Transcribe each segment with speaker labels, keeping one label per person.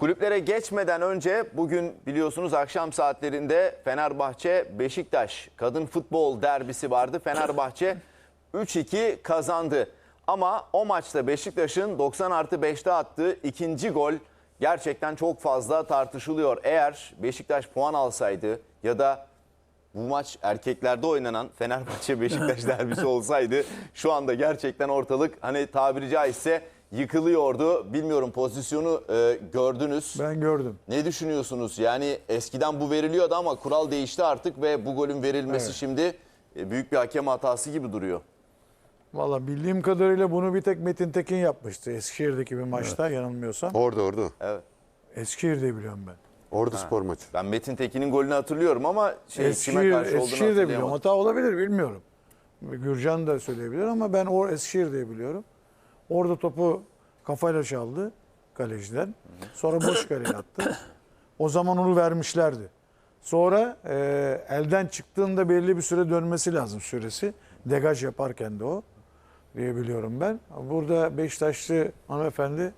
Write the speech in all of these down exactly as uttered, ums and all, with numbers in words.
Speaker 1: Kulüplere geçmeden önce bugün biliyorsunuz akşam saatlerinde Fenerbahçe-Beşiktaş kadın futbol derbisi vardı. Fenerbahçe üç iki kazandı. Ama o maçta Beşiktaş'ın doksan artı beşte attığı ikinci gol gerçekten çok fazla tartışılıyor. Eğer Beşiktaş puan alsaydı ya da bu maç erkeklerde oynanan Fenerbahçe-Beşiktaş derbisi olsaydı şu anda gerçekten ortalık hani tabiri caizse yıkılıyordu. Bilmiyorum, pozisyonu e, gördünüz.
Speaker 2: Ben gördüm.
Speaker 1: Ne düşünüyorsunuz? Yani eskiden bu veriliyordu ama kural değişti artık ve bu golün verilmesi
Speaker 2: Evet.
Speaker 1: şimdi e, büyük bir hakem hatası gibi duruyor.
Speaker 2: Valla bildiğim kadarıyla bunu bir tek Metin Tekin yapmıştı. Eskişehir'deki bir maçta yanılmıyorsam.
Speaker 3: Orada orada.
Speaker 1: Evet.
Speaker 2: Eskişehir'de biliyorum ben.
Speaker 3: Orada spor maçı.
Speaker 1: Ben Metin Tekin'in golünü hatırlıyorum ama şey, kime
Speaker 2: Eskişehir,
Speaker 1: karşı olduğunu
Speaker 2: Eskişehir'de biliyorum.
Speaker 1: hatırlayamadım.
Speaker 2: Hata olabilir bilmiyorum. Gürcan da söyleyebilir ama ben o Eskişehir'de biliyorum. Orada topu kafayla çaldı kaleciden. Sonra boş kaleye attı. O zaman onu vermişlerdi. Sonra e, elden çıktığında belli bir süre dönmesi lazım süresi. Degaj yaparken de o diye biliyorum ben. Burada Beşiktaşlı hanımefendi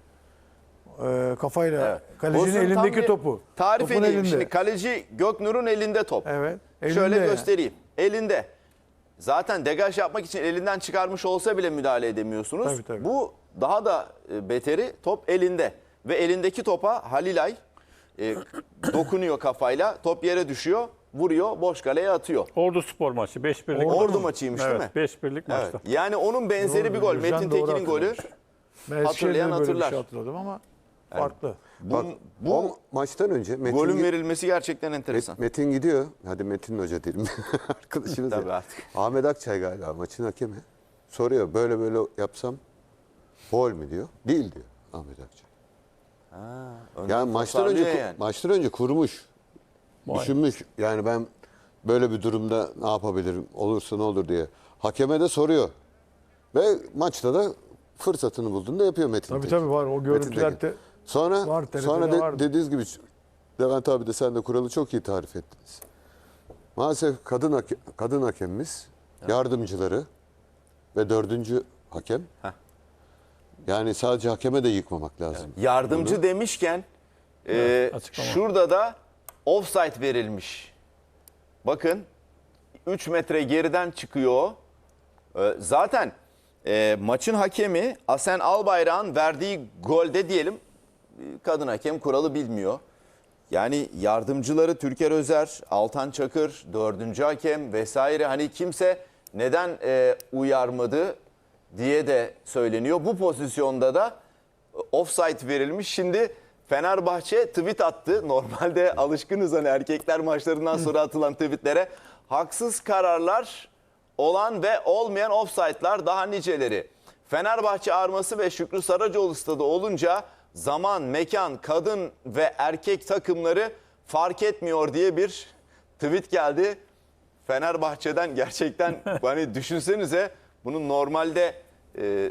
Speaker 2: e, kafayla
Speaker 1: Evet.
Speaker 2: kalecinin
Speaker 1: Olsun, tam
Speaker 2: elindeki
Speaker 1: bir
Speaker 2: topu.
Speaker 1: Tarif
Speaker 2: Topun
Speaker 1: edeyim.
Speaker 2: elinde.
Speaker 1: Şimdi kaleci Göknur'un elinde top.
Speaker 2: Evet.
Speaker 1: Şöyle
Speaker 2: elinde yani.
Speaker 1: göstereyim. Elinde. Zaten degaj yapmak için elinden çıkarmış olsa bile müdahale edemiyorsunuz.
Speaker 2: Tabii, tabii.
Speaker 1: Bu daha da e, beteri, top elinde. Ve elindeki topa Halilay e, dokunuyor kafayla. Top yere düşüyor, vuruyor, boş kaleye atıyor.
Speaker 4: Ordu Spor maçı beş birlik.
Speaker 1: Ordu
Speaker 4: maçı.
Speaker 1: maçıymış
Speaker 4: evet,
Speaker 1: değil mi?
Speaker 4: beş birlik
Speaker 1: Evet.
Speaker 4: maçta.
Speaker 1: Yani onun benzeri
Speaker 2: Doğru,
Speaker 1: bir gol.
Speaker 2: Gürcan
Speaker 1: Metin
Speaker 2: doğru
Speaker 1: Tekin'in golü.
Speaker 2: hatırlamış. Ben
Speaker 1: Hatırlayan
Speaker 2: Eskişehir'de böyle
Speaker 1: hatırlar.
Speaker 2: bir şey hatırladım ama farklı.
Speaker 1: Bu,
Speaker 3: Bak,
Speaker 1: bu
Speaker 3: o maçtan önce Metin,
Speaker 1: golün
Speaker 3: gi-
Speaker 1: verilmesi gerçekten enteresan.
Speaker 3: Metin gidiyor. Hadi Metin Hoca diyelim. Arkadaşınız
Speaker 1: Tabii
Speaker 3: ya.
Speaker 1: artık.
Speaker 3: Ahmet Akçay galiba maçın hakemi. Soruyor böyle böyle yapsam gol mü diyor. Değil diyor Ahmet Akçay.
Speaker 1: Ha, önden
Speaker 3: Yani maçtan önce
Speaker 1: tasarlıyor yani.
Speaker 3: maçtan önce kurmuş.
Speaker 4: Vay.
Speaker 3: Düşünmüş. Yani ben böyle bir durumda ne yapabilirim? Olursa ne olur diye. Hakeme de soruyor. Ve maçta da fırsatını bulduğunda yapıyor Metin
Speaker 2: Tabii
Speaker 3: Tekin.
Speaker 2: tabii var o
Speaker 3: Metin
Speaker 2: görüntüler
Speaker 3: Tekin.
Speaker 2: de
Speaker 3: Sonra
Speaker 2: Var, T R T'de
Speaker 3: sonra de-
Speaker 2: vardı.
Speaker 3: dediğiniz gibi Levent abi de sen de kuralı çok iyi tarif ettiniz. Maalesef kadın hake- kadın hakemimiz, yardımcıları ve dördüncü hakem.
Speaker 1: Heh.
Speaker 3: Yani sadece hakeme de yıkmamak lazım.
Speaker 1: Yardımcı demişken e,
Speaker 4: açıklama.
Speaker 1: şurada da offside verilmiş. Bakın üç metre geriden çıkıyor. E, zaten e, maçın hakemi Asen Albayrak'ın verdiği golde diyelim e, kadın hakem kuralı bilmiyor. Yani yardımcıları Türker Özer, Altan Çakır, dördüncü hakem vesaire, hani kimse neden e, uyarmadı diye de söyleniyor. Bu pozisyonda da offside verilmiş. Şimdi Fenerbahçe tweet attı. Normalde alışkınız hani erkekler maçlarından sonra atılan tweetlere. Haksız kararlar olan ve olmayan offside'lar daha niceleri. Fenerbahçe arması ve Şükrü Saracoğlu stadı olunca zaman, mekan, kadın ve erkek takımları fark etmiyor diye bir tweet geldi. Fenerbahçe'den gerçekten hani düşünsenize, bunun normalde e,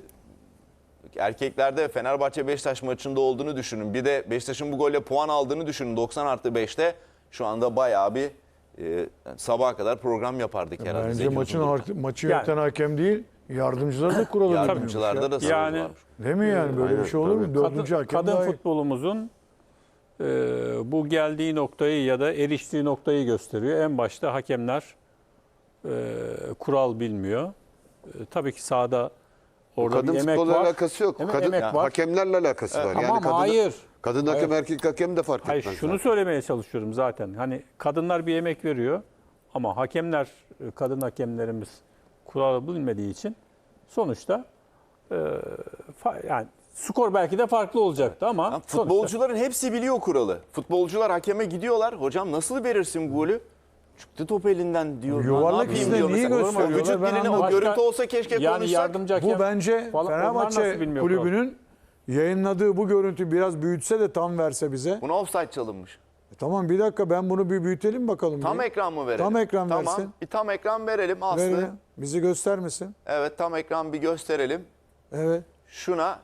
Speaker 1: erkeklerde Fenerbahçe Beşiktaş maçında olduğunu düşünün. Bir de Beşiktaş'ın bu golle puan aldığını düşünün. doksan artı beşte şu anda bayağı bir e, sabaha kadar program yapardık herhalde.
Speaker 2: bence
Speaker 1: Zeki
Speaker 2: maçın
Speaker 1: Uzun'da.
Speaker 2: har- maçı
Speaker 4: Yani-
Speaker 2: yöneten hakem değil, yardımcıları da kuralı bilmiyormuş
Speaker 1: Yardımcılarda
Speaker 2: ya.
Speaker 1: da sorun
Speaker 4: Yani-
Speaker 1: var.
Speaker 2: Değil mi yani böyle
Speaker 3: Aynen,
Speaker 2: bir şey olur mu?
Speaker 3: tabii.
Speaker 2: Dördüncü
Speaker 4: Kadın,
Speaker 2: hakem
Speaker 4: kadın
Speaker 2: daha iyi.
Speaker 4: futbolumuzun e, bu geldiği noktayı ya da eriştiği noktayı gösteriyor. En başta hakemler e, kural bilmiyor. E, tabii ki sahada orada
Speaker 3: Kadın
Speaker 4: bir emek
Speaker 3: futbolla
Speaker 4: var.
Speaker 3: alakası yok.
Speaker 4: Emek-
Speaker 3: Kadın
Speaker 4: emek var.
Speaker 3: hakemlerle alakası var.
Speaker 4: Ama
Speaker 3: kadın,
Speaker 4: hayır.
Speaker 3: Kadın hakem
Speaker 4: Hayır.
Speaker 3: erkek hakem de fark
Speaker 4: Hayır,
Speaker 3: etmez.
Speaker 4: şunu
Speaker 3: zaten.
Speaker 4: söylemeye çalışıyorum zaten. Hani kadınlar bir emek veriyor ama hakemler, kadın hakemlerimiz kuralı bilmediği için sonuçta e, fa- yani skor belki de farklı olacaktı ama
Speaker 1: Ya
Speaker 4: sonuçta-
Speaker 1: futbolcuların hepsi biliyor kuralı. Futbolcular hakeme gidiyorlar. Hocam nasıl verirsin bu golü? Çıktı top elinden diyor.
Speaker 2: Yuvarlak
Speaker 1: Ne yapayım
Speaker 2: izle
Speaker 1: diyor
Speaker 2: niye
Speaker 1: mesela.
Speaker 2: gösteriyorlar?
Speaker 1: O vücut
Speaker 2: Ben
Speaker 1: dilini, o
Speaker 2: anlamadım.
Speaker 1: görüntü olsa keşke
Speaker 4: yani
Speaker 1: konuşsak.
Speaker 4: yardımcı hakem
Speaker 2: Bu bence
Speaker 4: falan- onlar
Speaker 2: Fenerbahçe
Speaker 4: nasıl bilmiyor kuralı?
Speaker 2: kulübünün yayınladığı bu görüntü biraz büyütse de tam verse bize.
Speaker 1: Buna offside çalınmış.
Speaker 2: E tamam bir dakika ben bunu bir büyütelim bakalım.
Speaker 1: Tam
Speaker 2: bir.
Speaker 1: ekran mı verelim?
Speaker 2: Tam ekran
Speaker 1: tamam.
Speaker 2: versin.
Speaker 1: Bir tam ekran verelim Aslı.
Speaker 2: Verelim. Bizi göstermesin.
Speaker 1: Evet, tam ekran bir gösterelim.
Speaker 2: Evet.
Speaker 1: Şuna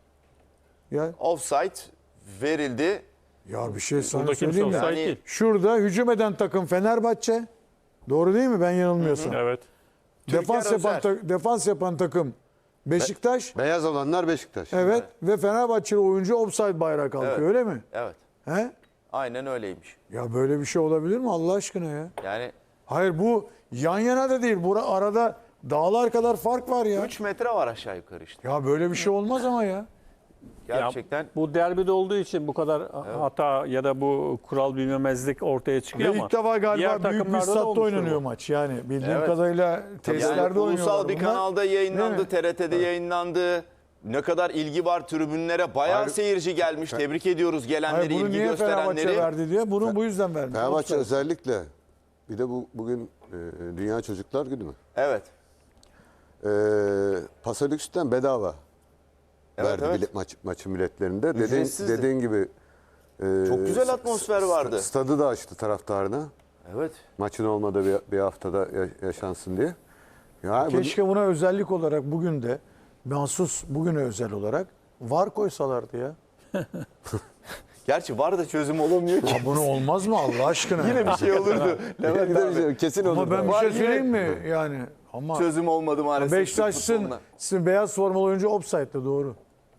Speaker 2: Ya,
Speaker 1: offside verildi.
Speaker 2: ya bir şey sana
Speaker 4: Burada kimse
Speaker 2: söyleyeyim mi?
Speaker 4: offside
Speaker 1: Yani-
Speaker 4: değil.
Speaker 2: Şurada hücum eden takım Fenerbahçe. Doğru değil mi ben yanılmıyorsam?
Speaker 4: Evet.
Speaker 2: Defans
Speaker 1: Türker
Speaker 2: yapan
Speaker 1: Özer.
Speaker 2: ta- defans yapan takım Beşiktaş
Speaker 3: Beyaz olanlar Beşiktaş.
Speaker 2: evet ve Fenerbahçeli oyuncu offside bayrağı kalkıyor
Speaker 1: Evet.
Speaker 2: öyle mi?
Speaker 1: Evet.
Speaker 2: He?
Speaker 1: Aynen öyleymiş.
Speaker 2: Ya böyle bir şey olabilir mi Allah aşkına ya?
Speaker 1: Yani
Speaker 2: Hayır bu yan yana da değil. Bura arada dağlar kadar fark var ya.
Speaker 1: üç metre var aşağı yukarı işte.
Speaker 2: Ya böyle bir şey olmaz ama ya.
Speaker 1: Gerçekten.
Speaker 4: Ya bu derbide olduğu için bu kadar hata ya da bu kural bilmemezlik ortaya çıkıyor
Speaker 2: Ve
Speaker 4: ama
Speaker 2: ilk defa
Speaker 4: diğer
Speaker 2: galiba büyük bir
Speaker 4: takımlarda da
Speaker 2: statta
Speaker 4: olmuştur
Speaker 2: oynanıyor
Speaker 4: bu.
Speaker 2: maç. Yani bildiğim
Speaker 1: Evet.
Speaker 2: kadarıyla tesislerde
Speaker 1: Yani
Speaker 2: oynuyorlar.
Speaker 1: ulusal bir
Speaker 2: bunlar.
Speaker 1: kanalda yayınlandı,
Speaker 2: Değil mi?
Speaker 1: T R T'de yayınlandı. Ne kadar ilgi var tribünlere. Bayağı
Speaker 3: Hayır.
Speaker 1: seyirci gelmiş. Tebrik ediyoruz gelenleri,
Speaker 2: Hayır, bunu
Speaker 1: ilgi
Speaker 2: niye Fenerbahçe
Speaker 1: gösterenleri.
Speaker 2: verdi diye. Bunu bu yüzden vermiş.
Speaker 3: Fenerbahçe
Speaker 2: Offside.
Speaker 3: özellikle bir de bu bugün e, Dünya Çocuklar Günü mü?
Speaker 1: Evet.
Speaker 3: E, Pasolüks'ten bedava
Speaker 1: Evet,
Speaker 3: verdi
Speaker 1: evet.
Speaker 3: bilet, maç, maçın biletlerinde. Dediğin,
Speaker 1: Ücretsizdi.
Speaker 3: dediğin gibi e,
Speaker 1: Çok güzel atmosfer vardı.
Speaker 3: Stadı da açtı taraftarına.
Speaker 1: Evet.
Speaker 3: Maçın olmadığı bir, bir haftada ya- yaşansın diye. Ya bu-
Speaker 2: Keşke buna özellik olarak bugün de mahsus bugüne özel olarak var koysalardı ya.
Speaker 1: Gerçi var da çözüm olamıyor ki.
Speaker 2: Ya bunu olmaz mı Allah aşkına?
Speaker 1: Yine bir şey olurdu. Levent abi.
Speaker 3: kesin
Speaker 2: Ama
Speaker 3: olur.
Speaker 2: ben bir
Speaker 1: Var
Speaker 2: şey
Speaker 1: yine-
Speaker 2: söyleyeyim mi? Yani ama
Speaker 1: Çözüm olmadı maalesef. Türk
Speaker 2: Beşiktaş'ın
Speaker 1: futboluna.
Speaker 2: sizin beyaz formalı oyuncu offside'de doğru.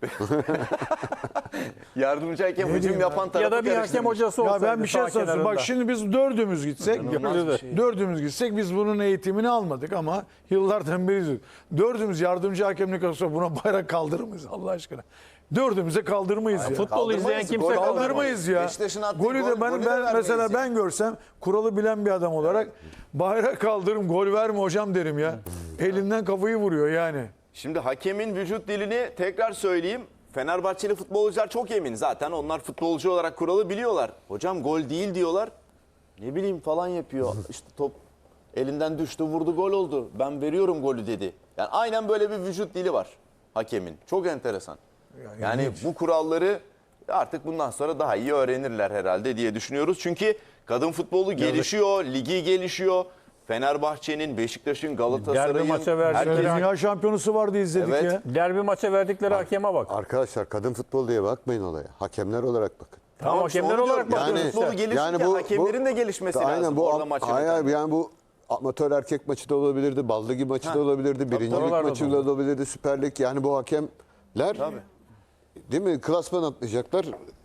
Speaker 1: Yardımcı hakem
Speaker 2: Ne
Speaker 1: hücum
Speaker 2: diyeyim
Speaker 1: yapan tarafı
Speaker 4: Ya da bir hakem
Speaker 1: karıştırmış.
Speaker 4: hocası
Speaker 2: Ya
Speaker 4: olsaydı
Speaker 2: ben bir şey
Speaker 4: sağ
Speaker 2: söyleyeyim. Bak
Speaker 4: kenarında.
Speaker 2: şimdi biz dördümüz gitsek,
Speaker 1: İnanılmaz bir şey.
Speaker 2: dördümüz gitsek biz bunun eğitimini almadık ama yıllardan beri izliyoruz. Dördümüz yardımcı hakemlik olsa buna bayrak kaldırır mıyız Allah aşkına? Dördümüze kaldırmayız ya.
Speaker 4: Futbol
Speaker 1: Kaldırmayız,
Speaker 4: izleyen kimse
Speaker 1: gol
Speaker 4: kaldırmaz.
Speaker 2: Kaldırmayız ya.
Speaker 1: Beşiktaş'ın attığı
Speaker 2: Golü de
Speaker 1: gol-
Speaker 2: ben,
Speaker 1: golü de
Speaker 2: ben
Speaker 1: vermeyiz
Speaker 2: mesela
Speaker 1: ya.
Speaker 2: ben görsem kuralı bilen bir adam olarak bayrak kaldırırım gol verme hocam derim ya. Elinden kafayı vuruyor yani.
Speaker 1: Şimdi hakemin vücut dilini tekrar söyleyeyim. Fenerbahçeli futbolcular çok emin. Zaten onlar futbolcu olarak kuralı biliyorlar. Hocam gol değil diyorlar. Ne bileyim falan yapıyor. İşte top elinden düştü, vurdu, gol oldu. Ben veriyorum golü dedi. Yani aynen böyle bir vücut dili var hakemin. Çok enteresan. Yani bu kuralları artık bundan sonra daha iyi öğrenirler herhalde diye düşünüyoruz. Çünkü kadın futbolu gelişiyor, ligi gelişiyor. Fenerbahçe'nin, Beşiktaş'ın, Galatasaray'ın,
Speaker 4: Derbi maça verdi.
Speaker 1: herkesin-
Speaker 2: Dünya şampiyonusu vardı izledik
Speaker 1: Evet.
Speaker 2: ya.
Speaker 4: Derbi maça verdikleri hakeme bak.
Speaker 3: Arkadaşlar kadın futbol diye bakmayın olaya. Hakemler olarak bakın.
Speaker 4: Tamam,
Speaker 1: işte
Speaker 4: hakemler
Speaker 1: onu
Speaker 4: olarak
Speaker 1: diyorum.
Speaker 4: bakıyoruz
Speaker 1: Yani
Speaker 4: işte.
Speaker 1: futbolu gelişirken hakemlerin de gelişmesi
Speaker 3: aynen
Speaker 1: lazım
Speaker 3: bu,
Speaker 1: orada maç
Speaker 3: hayır,
Speaker 1: yöneten.
Speaker 3: yani bu amatör erkek maçı da olabilirdi, bal ligi maçı da olabilirdi, birincilik
Speaker 4: oralarda
Speaker 3: maçı
Speaker 4: da
Speaker 3: da olabilirdi, Süper Lig. Yani bu hakemler değil mi klasman atlayacaklar.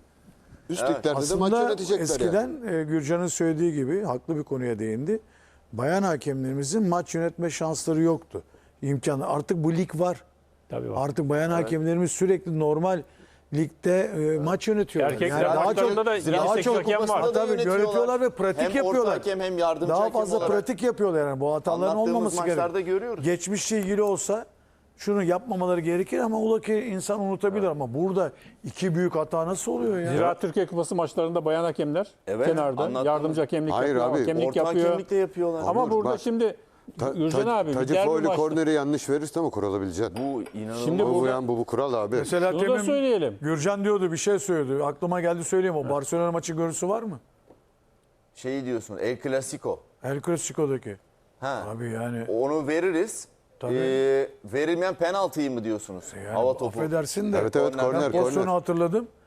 Speaker 3: Üst liglerde de maç
Speaker 2: Aslında
Speaker 3: yönetecekler
Speaker 2: eskiden
Speaker 3: yani.
Speaker 2: e, Gürcan'ın söylediği gibi haklı bir konuya değindi. Bayan hakemlerimizin maç yönetme şansları yoktu. İmkanı. Artık bu lig var.
Speaker 4: Tabii var.
Speaker 2: Artık bayan hakemlerimiz sürekli normal ligde e, maç yönetiyorlar.
Speaker 4: Erkekler
Speaker 2: daha
Speaker 4: maçlarında da
Speaker 2: daha
Speaker 4: yedi sekiz
Speaker 2: çok
Speaker 4: hakem var.
Speaker 1: Kupasında da
Speaker 2: Tabii yönetiyorlar ve pratik
Speaker 1: hem
Speaker 2: yapıyorlar.
Speaker 1: orta hakem hem yardımcı
Speaker 2: Daha
Speaker 1: hakem
Speaker 2: fazla
Speaker 1: olarak.
Speaker 2: pratik yapıyorlar yani. Bu hataların
Speaker 1: Anlattığımız
Speaker 2: olmaması
Speaker 1: maçlarda
Speaker 2: gerekiyor.
Speaker 1: görüyoruz.
Speaker 2: Geçmişle ilgili olsa şunu yapmamaları gerekir ama ola ki insan unutabilir ama burada iki büyük hata nasıl oluyor ya?
Speaker 4: Zira Türkiye Kupası maçlarında bayan hakemler
Speaker 1: Evet,
Speaker 4: kenarda
Speaker 1: anlattığımız-
Speaker 4: yardımcı hakemlik
Speaker 3: Hayır
Speaker 4: yapıyor,
Speaker 3: abi,
Speaker 4: hakemlik
Speaker 1: Orta
Speaker 4: yapıyor.
Speaker 1: hakemlik de yapıyorlar.
Speaker 4: Ama
Speaker 3: Olur,
Speaker 4: burada
Speaker 3: bak.
Speaker 4: şimdi
Speaker 3: Ta,
Speaker 4: Gürcan
Speaker 3: ta,
Speaker 4: abi bir
Speaker 3: Tacı
Speaker 4: derbi
Speaker 3: Foylu
Speaker 4: maçta-
Speaker 3: korneri yanlış verirse ama kural bileceksin.
Speaker 1: Bu inanılmaz.
Speaker 4: Şimdi
Speaker 3: Bu, bu,
Speaker 4: burada-
Speaker 3: yani, bu, bu kural abi.
Speaker 2: Mesela
Speaker 4: Şunu da
Speaker 2: temin
Speaker 4: söyleyelim.
Speaker 2: Gürcan diyordu bir şey söyledi. Aklıma geldi söyleyeyim o. Barcelona maçı görüntüsü var mı?
Speaker 1: Şeyi diyorsun, El Clasico.
Speaker 2: El Clasico'daki.
Speaker 1: Ha.
Speaker 2: Abi yani,
Speaker 1: Onu veririz.
Speaker 2: Tabii.
Speaker 1: Ee, verilmeyen penaltıyı mı diyorsunuz?
Speaker 2: yani
Speaker 1: Hava topu.
Speaker 2: affedersin de.
Speaker 3: Evet evet
Speaker 1: Korner.
Speaker 3: korner
Speaker 2: ben pozisyonu
Speaker 3: korner.
Speaker 2: hatırladım.